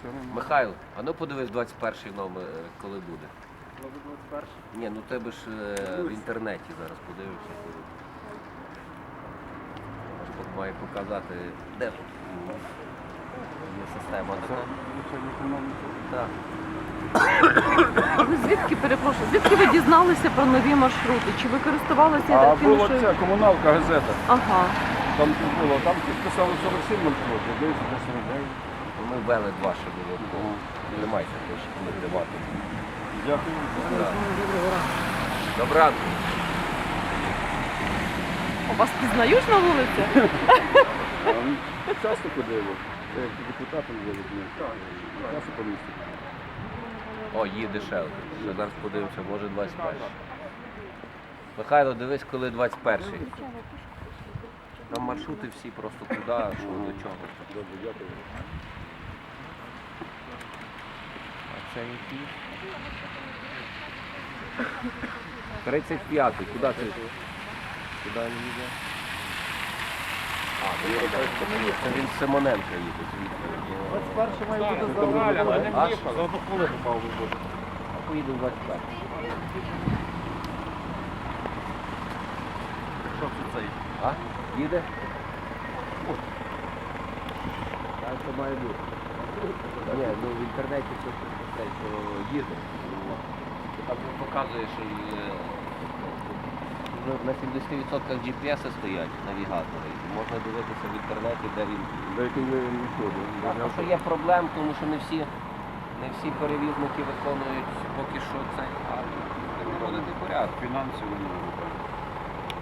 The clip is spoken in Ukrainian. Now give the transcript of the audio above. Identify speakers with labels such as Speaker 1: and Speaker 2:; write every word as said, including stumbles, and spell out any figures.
Speaker 1: Михайло, а ну подивись двадцять перший номер, е, коли буде.
Speaker 2: Коли двадцять перший?
Speaker 1: Ні, ну тебе ж е, в інтернеті зараз подивишся. коли. Аж має показати, де тут є система така. Так.
Speaker 3: А ви звідки, перепрошую, звідки ви дізналися про нові маршрути? Чи ви користувалися
Speaker 4: А
Speaker 3: такими,
Speaker 4: була
Speaker 3: що...
Speaker 4: ця комуналка, газета.
Speaker 3: Ага.
Speaker 4: Там було, там підписали сорок сім маршрутів, десь до сорок дев'ять.
Speaker 1: Ми ввели два ще було. Тримайся, теж не тримати.
Speaker 4: Дякую.
Speaker 1: Доброго ранку.
Speaker 3: У вас пізнають на вулиці?
Speaker 4: А, ну, Часто ходили. Я як депутатом був, часто по місту.
Speaker 1: О, їде ще один. Ще зараз подивимося, може двадцять перший. Михайло, дивись, коли двадцять перший. Там маршрути всі просто куди, що до чого.
Speaker 4: Добре, дякую.
Speaker 1: А це який? тридцять п'ятий. Куди ти? Куди він їде? А, ну, це він з Симоненка їде звідти.
Speaker 2: двадцять перший має бути за Галя, а не
Speaker 1: А?
Speaker 2: Міша. За одну хвилину мав би бути.
Speaker 1: А поїде в двадцять перший.
Speaker 2: Що це цей?
Speaker 1: А? Їде? Так це має бути. Ні, ну в інтернеті це те, що їде. Там показує, що е, вже на сімдесят відсотків джі пі ес стоять навігатори. І можна дивитися в інтернеті, де він.
Speaker 4: Деяким не відходить.
Speaker 1: Тому що є проблем, тому що не всі, не всі перевізники виконують поки що це, а наводити порядок.
Speaker 4: Фінансово не